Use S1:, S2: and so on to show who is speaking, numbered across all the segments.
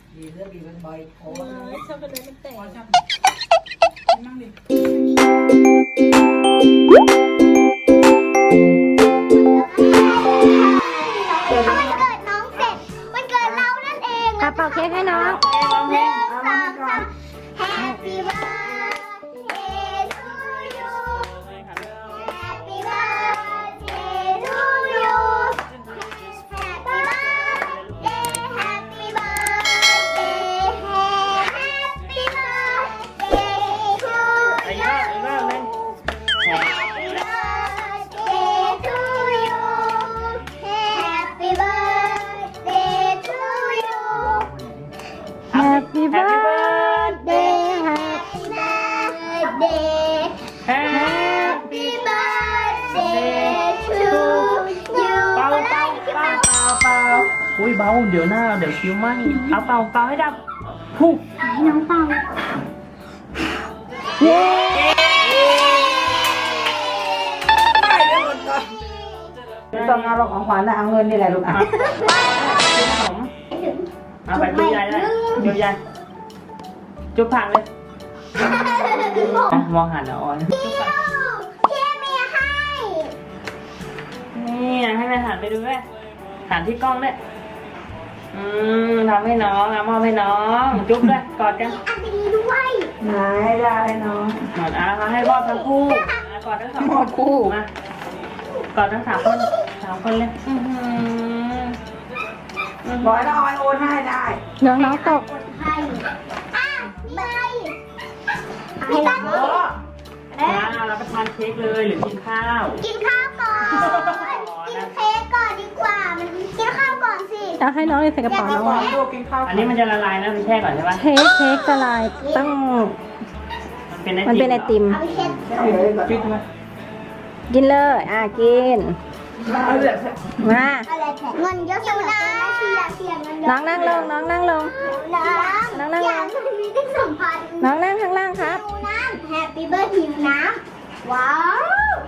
S1: ดีเลือกดีเป็นใบโอ้ย
S2: ช็อกโกแลตมันแตก
S1: ชอบนั่งดิ
S3: วันเกิดน้องเสร็จวันเกิดเรานั่นเอง
S4: เป่าเค้กให้น้อง
S3: หนึ่งสองสาม Happy birthday to you Happy birthday to you Happy birthday Happy birthday Happy birthday to you Happy birthday to you Happy birthday to you
S4: Happy birthday Happy
S3: Happy birthday Happy birthday to you
S2: เป่าอุ้ยเบาเดี๋ยวหน้าเดี๋ยวคิ้วไหมเอาเป่าให้ดับฮู้
S3: น้องเป่า
S4: เย้
S1: ไม่ต้องเอาของขวัญนะเอาเงินนี่แหละลูกอ่ะ
S2: ขนมเอาไปจุ๊บยายเลยจุ๊บยายจุ๊บผ่านเลยมองหันเอาอ่อน
S3: พี่เมียให้
S2: นี่ให้แม่หันไปดูด้วยหันที่กล้องด้วยทำให้น้องมอบให้น้องจุ๊บด้วยกอดกัน
S3: อันนี้ด้วย
S1: ไหนได้น้อง
S2: กอดมาให้มอบทั้งคู่กอดทั้งสอง
S1: หมดคู่
S2: มากอดทั้ง3 คนเลย
S1: บอกให้น้องออยโอนให้ได้
S4: น้องตก
S3: ให้ใบให้น้อง
S2: มาเราไปทานเค้กเลยหรือกินข้าว
S3: กินข้าวก่อนกินเค้กก่อนดีกว่ามันกินข้าวก่อนสิ
S4: เอาให้น้องใส่กระเป๋าน้อง
S1: ลูกกินข้าว
S2: อันนี้มันจะละลายนะไปแช่ก่อนใช่ปะ
S4: เค้กละลายต้อง
S2: มันเป็นไอติม
S3: เอาไปเช็ด
S1: เลยก่อนปิดไหม
S4: กินเลยกิน
S1: เอาเลย
S4: มา
S3: อะไรแทนเงินเยอะจังนะเสียเงินเยอะ
S4: น้องนั่งลงน้องนั่งลง
S3: น้ำอย่างนี้ได้2,000
S4: น้องนั่งข้างล่างครับ
S3: หิวน้ำ Happy birthday หิวน้ำว้าว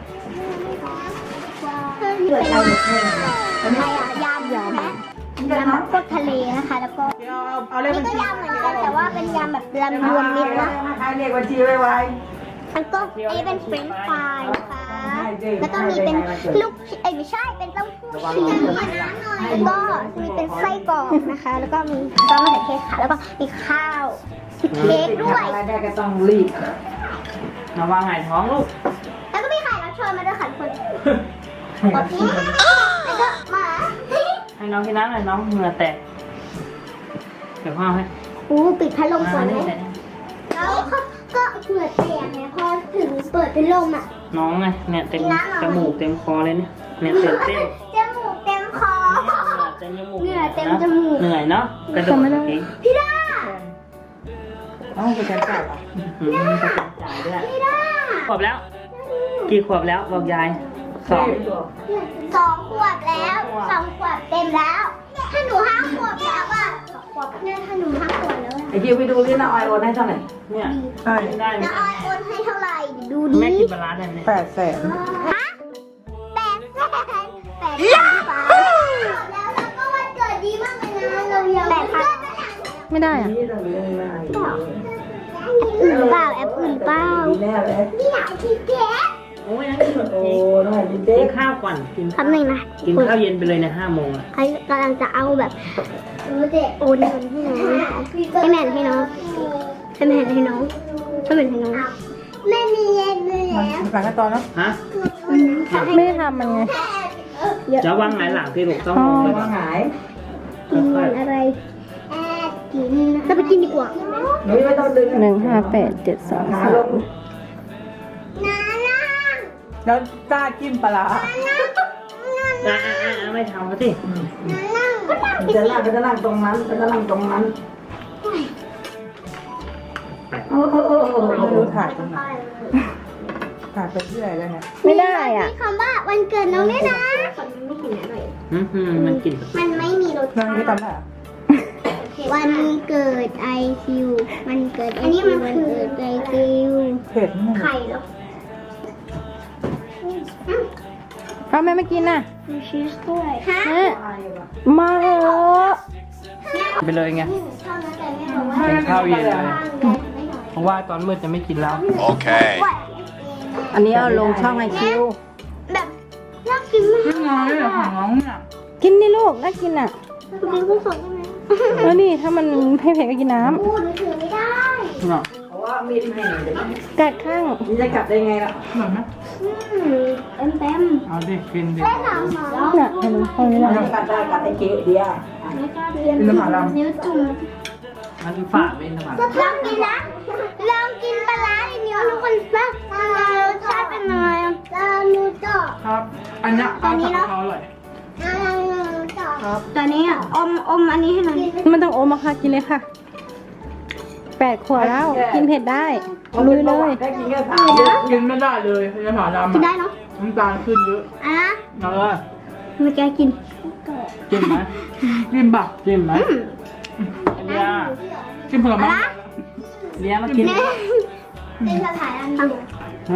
S3: เกิดอะไรยำนะยำพวกทะเลนะคะแล้วก็
S1: เอาเลข
S3: นี่
S1: บัญ
S3: ก็
S1: ชี
S3: ยำเหมือนกันแต่ว่าเป็นยำแบบยำรวมมิตรนะ
S1: ใครเลขบัญชีไว้
S3: แล้วก็อันนี้เป็นเฟรนช์ฟรายนะคะแล้วก็มีเป็นลูกไม่ใช่เป็นเต้าหู้ชีสแล้วก็มีเป็นไส้กรอกนะคะ แล้วก็มีซอสมะเขือเทศค่ะแล้วก็มีข้าวมีเค้กด้วย
S1: อะไรได้ก็ต้องรีบ
S2: ระวังหายท้องลูก
S3: แล้วก็มีไข่รับเชิญมาด้วยค่ะทุกคนแล้วก็หมา
S2: ให้น้องกินน้ำหน่อยน้องเหงื่อแตกเดี๋ยวพ่อให้
S3: ปิดพัดลมก่อนไหมแล้วก็เหงื่อแตกไงพอถึงเปิดเป็นลมอ่ะ
S2: น้องไงเนี่ยเต็มจมูกเต็มคอเลยเนี่ยตื่นเต้น
S3: จมูกเต็มคอ
S2: เต็มจมูก
S3: เหงื่อเต็มจมูก
S2: เหนื่อยเนาะกระโดดเอง
S3: พี่ด้า
S1: ต้องไปกันจ่ายป่ะ
S2: กระโดดจ่ายด้วย
S3: พี่ด้า
S2: ขวบแล้ว กี่ขวบแล้วบอกยาย2
S3: 2 ขวบแล้ว2 ขวบเต็มแล้ว ถ้าหนู5 ขวบแล้วอ่ะ2 ขวบเนี่ยถ้าหนู5 ขวบแล้ว
S1: ไอคิวไปดูที่น้าออยโอนให้เท่าไหร่
S2: เนี่ย
S1: ใช่
S2: ได้ไหม
S3: น้าออยโอนให้เท่าไหร่ดูดิ
S2: แม่กินปลาร้าได้ไหม
S1: 800,000
S3: ฮะ800,000แล้วก็วันเกิดดีมากเลยนะเรายัง8,000
S4: ไม่ได้อ่ะ
S1: นี่ต้องเรื่องอะไร
S3: อื่นเปล่าแอปอื่นเปล่า
S1: ดีแน่เลย
S3: นี่อยากกินเค้ก
S2: โอ้ยนั่งกิน
S1: โอ้
S2: เค้ก
S1: น้อยดี
S2: กิ
S1: เด็
S2: น
S1: ก
S2: ข้าวก่อนกิน
S3: คำหนึ่งนะ
S2: กินข้าวเย็นไปเลยใน5 โมงอ่ะ
S3: ใครกำลังจะเอาแบบโอนเงินให้น้องให้แม่ให้น้องให้แม่ให้น้องให้แม่ให้น้องแม่มีเงินเลยแล้ว
S1: หลังกันตอนเนาะ
S2: ฮะ
S4: ไม่ได้ทำมันไง
S2: จะวางหงายหลังที่ลูกต้อง
S4: อ๋อ
S2: ลงไป
S1: ว่าหาย
S3: กินอะไรแอบกินจะไปกินดีกว่า
S1: หนูไม่ต้องดึง
S4: 15873
S1: ขาลง
S3: น้านั่ง
S1: แล้วจ้าจิ้มปลา
S2: ไม่ทำเขาสิ
S3: นั่งก็นั่ง
S1: จะนั่งก็จะนั่งตรงนั้นก็จะนั่งตรงนั้นโอ้ไม่รู้ถ่ายตรงไหนถ่ายไปที่ไหนแล้วเนี่ย
S4: ไม่ได้อ่ะ
S3: มีคำว่าวันเกิดน้องด้วยนะไม่กินหน่อย
S2: มันกิน
S3: มันไม่มีรส
S1: นั่ง
S3: ชา
S1: ที่
S3: ติ
S1: ตำแหน่ง
S3: วันเกิดไอคิวมันเกิดอันนี้มันคือไอคิว
S1: เผ็ดนี่
S3: ไข่เหรอ
S4: เอาแม่ไม่กินน่ะ
S3: มีชีสด้วยฮะ
S4: แม่มาเหอะ
S3: แม่
S2: ไปเลยไง
S3: ชอบนะแต่แม่บอกว่า
S2: กินข้าวเย็นเลยเพราะว่าตอนมืดจะไม่กินแล้ว
S5: Okay.
S4: อันนี้เอาลงช่องไอคิว
S3: แบบน่ากินมาก
S1: ขึ้นน้อยเหรอของน้องเนี่ย
S4: กินนี่ลูกน่ากินอ่ะ
S3: กินกุ้งสดได้ไหม
S4: แล้วนี่ถ้ามันเผ็ดก็กินน้
S3: พูดหนูถือไม่ได้
S1: เนาะ
S4: ำกัดข้าง
S1: จะกลับได้ไงล่ะอร่อยไหม
S3: เต็ม
S1: เอาดิกินดิ
S3: ๆได้หนังหมา
S4: น่ะเห็นไหมตรงนี้นะ
S1: กัดได้กัดไอ้เก๋เดียว
S3: ไม่กล้าเรียน
S1: อินทผลัม
S3: นิ้วจุ่ม
S2: มันฝาดเป็นสมัคร
S3: ลองกินนะลองกินปลาร้าในนิ้วทุกคนบ้างรสชาติเป็นยังไงลองดูต่อ
S1: ครับ อันเนี้ยปลาผัดกะเพราอร่อย
S3: ตัวนี้อ่ะอมอันนี้ให้หน่อย
S4: มันต้องโอมอะค่ะกินเลยค่ะ8 ขวบแล้วกินเผ็ดได้ลุยเลย
S1: แค่กินแค่3กินไม่ได้เลยอินทผลัม
S3: กินได้เนาะ
S1: น้ำตาลขึ้นเยอะ
S3: อ่ะ
S1: เอาเลย
S3: ไม่แกกิน
S2: จิ้มไหม
S1: กินปะ
S2: จิ้มไหมเลีย
S1: กินผลไม้
S2: เลียมากิน
S3: เป็นสถานอันดู
S2: ฮะ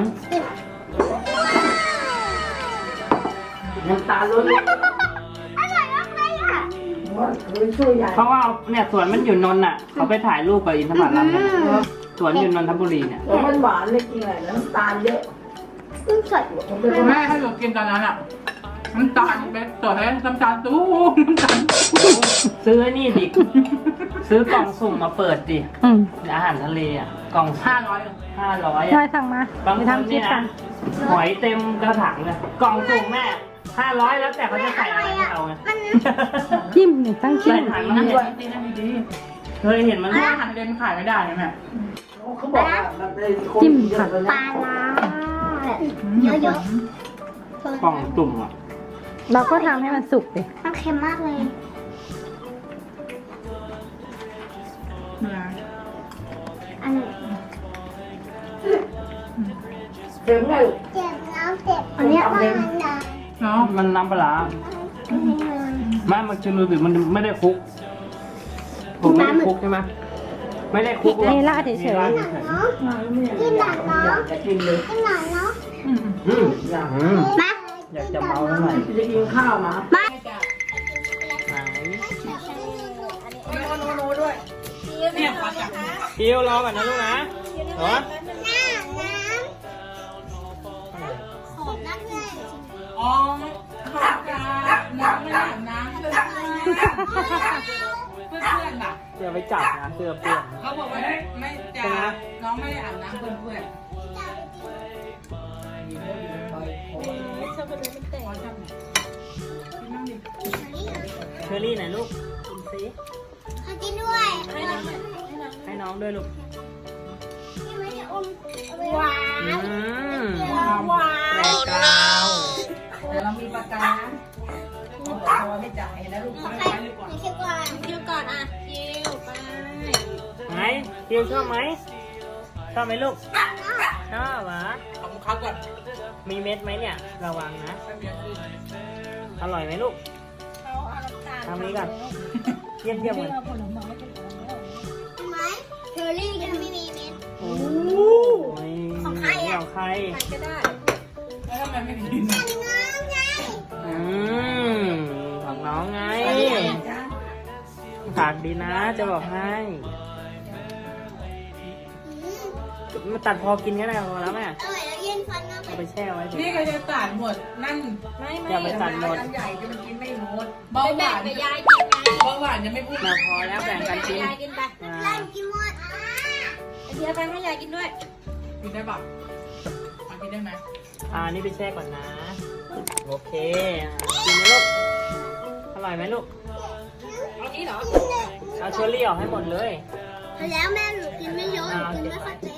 S2: น้ำตาล้น
S3: อร่อยมากเลยอ่ะ
S2: เพราะว่าเนี่ยสวนมันอยู่นนท์อ่ะ เขาไปถ่ายรูปกับอินทผลัมกันสวนอยู่นนทบุรีเนี่ย
S6: มันหวานเลยกินอะไรน้ำตาลเยอะ
S3: กุ้งสด
S1: แม่ให้หนูกินตอนนั้นอ่ะน้ำตาลเป็นตัวแทนน้ำตาลตู้น้ำตาล
S2: ซื้อไอ้นี่ดิ ซื้อกล่องสุ่มมาเปิดดิ
S4: อืม
S2: อาหารทะเลอ่ะ กล่อง
S1: 500
S2: 500
S4: น้อ
S2: อ่ะ
S4: ยสั่งมา
S2: บาง
S4: ไป
S2: คน
S4: ทำคลิ
S2: เนี่
S4: ป
S2: ย
S4: กั
S2: นะ
S4: น
S2: หอยเต็มกระถางเลยกล่องสุ่มแม่500แล้วแต่เขาจะใส่อะไรให้เราไง
S4: จิ้มนี่ตั้งจิ้
S2: ใส่
S4: ม
S2: ถัง
S1: นั่
S2: น้ำ
S1: น
S2: เย็
S1: ด้วย
S2: น
S1: นี่นั่นดี
S2: เคยเห็นมัน
S1: เพราะอาหารทะเลมันขายไม่ได้นะแม่
S6: เขาบอกว่าแบบในคน
S4: จิ้ม
S6: เย
S4: ผั
S6: อะ
S4: ก
S6: เลย
S3: ปลา
S6: นะ
S3: ร้าเยอะๆ
S2: กล่องสุ่มอ่ะ
S4: เราก็ทำให้มันสุกดิ
S3: มันเค็มมากเลย อันนี้
S6: เต็มเลย
S3: เจ็บแล้วเจ็บอันนี้มันนะ
S1: เนาะ
S2: มันน้ำปลาร้าไม่มันจะรู้สึกมันไม่ได้คลุกผมไม่ได้คลุกใช่ไหมไม่ได้คลุก
S4: นี่ราดเฉย
S2: นี่ราดเฉย
S3: เนาะกินหนังเนาะ
S6: อยากจะกินเลย
S3: กินหนังเนาะ
S2: อืม
S6: อยาก
S2: อืม
S3: มา
S2: อยากจะเมาเท่าไหร่
S6: จะกินข้าวมา
S2: ไหน
S1: เนี่ยปลาจับ
S2: คิวรอก่อนนะลูกนะเหรอ
S3: ขอบนักเลย
S1: อ๋อขอบคุณน้ำไม่อาบน้ำเลยเพื่อนๆน่ะ
S2: เดี๋ยวไปจับนะเสื้อเปื้อน
S1: เขาบอกว่าไม่จะน้องไม่ได้อาบน้ำเพื่อน
S2: เชอรี่ไหนลูกกินซิ
S3: ขอกินด้วย
S2: ให้น้องด้วยลูก
S3: นี่ไม่ได้อมหวาน
S2: อืม
S3: หวาน
S2: แรงกราว
S6: แต่เรามีประกันนะพอไม่จ่ายนะลูก
S3: ใครเคี้ยวก่อนเคี้ยวก่อนอ่ะเคี้ยวไป
S2: ไหนคิวชอบไหมชอบไหมลูกชอบเหรอ
S1: ๆของเขาก่อน
S2: มีเม็ดไหมเนี่ย ระวังนะ อร่อยไหมลูกทำนี้ก่อนเทียบกัน
S3: ไหมเชอรี่ยังไม่มีเม็ด
S2: โอ้ย
S3: ของใครอะ
S2: ของใคร
S1: แล้วทำไมไม่กิน
S3: น้องไง
S2: อืมของน้องไงฝากดีนะจะบอกให้มาตัดพอกินก็ได้พอแล้วแม่
S3: อร่อยแล้วเย็นฟันมาก
S2: เอาไปแช่ไว้เถ
S1: นี่
S2: อะ
S1: ก็จะตัดหมดนั่น
S2: อย่าไปตัดหมด
S6: ใหญ่จะมันกินไม่หมด
S1: เบาหวาน
S3: ไปยายกินไง
S1: เบาหวานยังไม่พูด
S2: มาพอแล้วแบ่งกันกิน
S3: ยายกินไป
S2: อ่า
S3: ไล่กินหมดเดี๋ยวไปให้ยายกินด้วย
S1: กินได้ปะกินได้ไหม
S2: นี่ไปแช่ก่อนนะ โอเคกินไหมลูก อร่อยไหมลูก เอาเชอรี่ออกให้หมดเลย
S3: แล้วแม่หนูกินไม่เยอะหนูกินไม่ค่อยเป็น